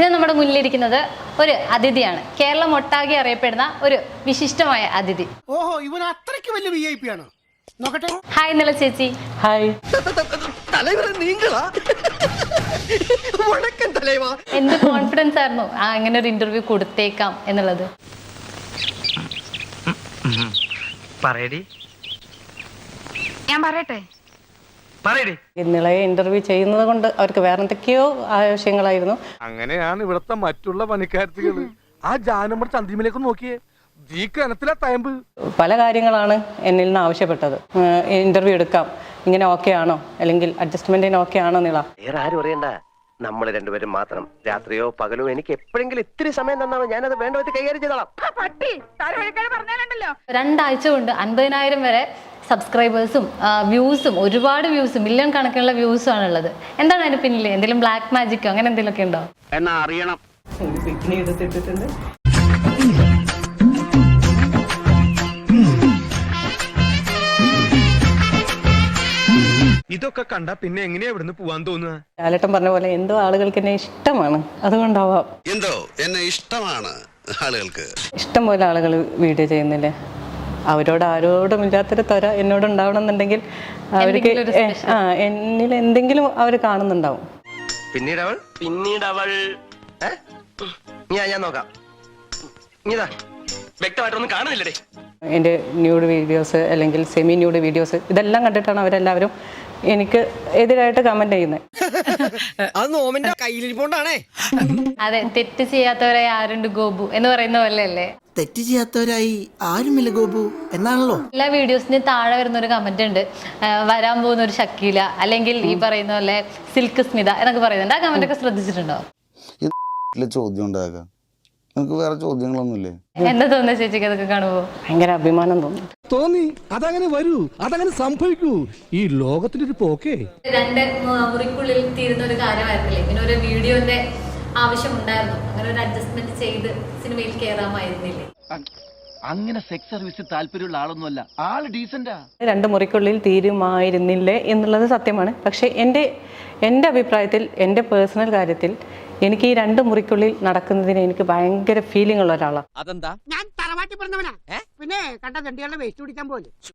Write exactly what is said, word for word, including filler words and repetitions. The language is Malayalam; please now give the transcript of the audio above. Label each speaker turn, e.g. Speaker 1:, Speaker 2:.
Speaker 1: ഇന്ന് നമ്മുടെ മുന്നിലിരിക്കുന്നത് ഒരു അതിഥിയാണ്. കേരളം ഒട്ടാകെ അറിയപ്പെടുന്ന ഒരു വിശിഷ്ടമായ അതിഥി.
Speaker 2: ഓഹോ, ഇവൻ അത്രയ്ക്ക് വലിയ വി ഐ പി ആണ്. നോക്കട്ടെ.
Speaker 1: ഹായ് നില ചേച്ചി.
Speaker 3: ഹായ്.
Speaker 1: എന്ത് കോൺഫിഡൻസ് ആയിരുന്നു ആ അങ്ങനെ ഒരു ഇന്റർവ്യൂ കൊടുത്തേക്കാം എന്നുള്ളത്?
Speaker 4: ഞാൻ പറയട്ടെ,
Speaker 3: നിളയെ ഇന്റർവ്യൂ ചെയ്യുന്നത് കൊണ്ട് അവർക്ക് വേറെ എന്തൊക്കെയോ ആവശ്യങ്ങളായിരുന്നു.
Speaker 5: അങ്ങനെയാണ് ഇവിടുത്തെ മറ്റുള്ള പണിക്കാരത്തികള്. ആ ജാനമ്മ ചന്തിമയിലേക്ക് നോക്കിയേ, ഈ കനത്തിലാ തയമ്പ്.
Speaker 3: പല കാര്യങ്ങളാണ് എന്നിൽ നിന്ന് ആവശ്യപ്പെട്ടത്. ഇന്റർവ്യൂ എടുക്കാം, ഇങ്ങനെ ഓക്കെ ആണോ, അല്ലെങ്കിൽ അഡ്ജസ്റ്റ്മെന്റിന് ഓക്കെ ആണോ നിള?
Speaker 6: വേറെ ആരും അറിയണ്ട, നമ്മൾ രണ്ടുപേരും മാത്രം. രാത്രിയോ പകലോ എനിക്ക് എപ്പോഴെങ്കിലും ഇത്തിരി സമയം തന്നാണ് ഞാനത് വേണ്ട വിധത്തിൽ കൈകാര്യം ചെയ്തോളാം.
Speaker 1: രണ്ടാഴ്ച കൊണ്ട് അൻപതിനായിരം വരെ സബ്സ്ക്രൈബേഴ്സും വ്യൂസും, ഒരുപാട് വ്യൂസും, മില്യൺ കണക്കിനുള്ള വ്യൂസും ആണുള്ളത്. എന്താണ് അതിന് പിന്നിൽ? എന്തെങ്കിലും ബ്ലാക്ക് മാജിക്കോ അങ്ങനെ എന്തെങ്കിലുമൊക്കെ ഉണ്ടോ?
Speaker 6: എന്നാ അറിയണം.
Speaker 3: ബിക്കിനി എടുത്തിട്ടിട്ടുണ്ട്.
Speaker 5: ഇതൊക്കെ കണ്ട പിന്നെ എങ്ങനെയാ ഇവിടുന്ന് പോവാൻ തോന്നുക?
Speaker 3: ലാലേട്ടൻ പറഞ്ഞ പോലെ എന്തോ ആളുകൾക്ക് എന്നെ ഇഷ്ടമാണ്, അതുകൊണ്ടാവാം.
Speaker 7: എന്തോ എന്നെ ഇഷ്ടമാണ് ആളുകൾക്ക്.
Speaker 3: ഇഷ്ടം പോലെ ആളുകൾ വീഡിയോ ചെയ്യുന്നില്ലേ, അവരോട് ആരോടും ഇല്ലാത്തൊരു ത്വര എന്നോട് ഉണ്ടാവണം എന്നുണ്ടെങ്കിൽ അവർക്ക് ആ എന്നിൽ എന്തെങ്കിലും അവർ കാണുന്നുണ്ടാവും.
Speaker 6: പിന്നീട് അവൾ പിന്നീട് അവൾ ഞാൻ ഞാൻ നോക്കാം. ഇതാ വ്യക്തമായിട്ടൊന്നും കാണുന്നില്ലേ?
Speaker 3: എൻ്റെ ന്യൂഡ് വീഡിയോസ് അല്ലെങ്കിൽ സെമി ന്യൂഡ് വീഡിയോസ് ഇതെല്ലാം കണ്ടിട്ടാണ് അവരെല്ലാവരും എനിക്ക് എതിരായിട്ട് കമന്റ് ചെയ്യുന്നത്.
Speaker 1: അതെ, തെറ്റ് ചെയ്യാത്തവരെ ആരുണ്ട് ഗോപു എന്ന് പറയുന്ന പോലെ അല്ലേ?
Speaker 2: തെറ്റ് ചെയ്യാത്തവരായി ആരുമില്ല ഗോപു എന്നാണല്ലോ.
Speaker 1: എല്ലാ വീഡിയോസിന് താഴെ വരുന്ന ഒരു കമന്റ് ഉണ്ട്, വരാൻ പോകുന്ന ഒരു ഷക്കീല അല്ലെങ്കിൽ ഈ പറയുന്ന പോലെ സിൽക്ക് സ്മിത എന്നൊക്കെ പറയുന്നുണ്ട്. ആ കമന്റ് ഒക്കെ ശ്രദ്ധിച്ചിട്ടുണ്ടോ?
Speaker 7: ചോദ്യം ഉണ്ടാകാം, നമുക്ക് വേറെ ചോദ്യങ്ങളൊന്നുമില്ലേ?
Speaker 1: എന്താ തോന്നുന്നത് ചേച്ചിക്ക് അതൊക്കെ കാണുമ്പോ?
Speaker 3: ഭയങ്കര അഭിമാനം തോന്നും.
Speaker 2: തോന്നി, അതങ്ങനെ വരൂ, അതങ്ങനെ സംഭവിക്കൂ. ഈ ലോകത്തിന്റെ ഒരു പോക്കേ.
Speaker 1: രണ്ട് മുറിക്കുള്ളിൽ തീരുന്ന ഒരു കാര്യമായിരുന്നില്ലേ, ഇങ്ങനെ ഒരു വീഡിയോന്റെ ആവശ്യമുണ്ടായിരുന്നു. അങ്ങനെ ഒരു അഡ്ജസ്റ്റ്മെന്റ് ചെയ്ത് സിനിമയിൽ കയറാമായിരുന്നില്ലേ?
Speaker 8: അങ്ങനെ സെക്സ് സർവീസ് താല്പര്യമുള്ള ആളൊന്നുമല്ല, ആള് ഡീസന്റാ.
Speaker 3: രണ്ട് മുറിക്കുള്ളിൽ തീരുമായിരുന്നില്ലേ എന്നുള്ളത് സത്യമാണ്. പക്ഷെ എൻ്റെ എൻ്റെ അഭിപ്രായത്തിൽ, എൻ്റെ പേഴ്സണൽ കാര്യത്തിൽ എനിക്ക് ഈ രണ്ട് മുറിക്കുള്ളിൽ നടക്കുന്നതിന് എനിക്ക് ഭയങ്കര ഫീലിംഗ് ഉള്ള ഒരാളാണ്.
Speaker 8: അതെന്താ?
Speaker 2: ഞാൻ തറവാട്ടി പറഞ്ഞവനാ, പിന്നെ കണ്ട തണ്ടികളുടെ വേസ്റ്റ് പിടിക്കാൻ പോലെ.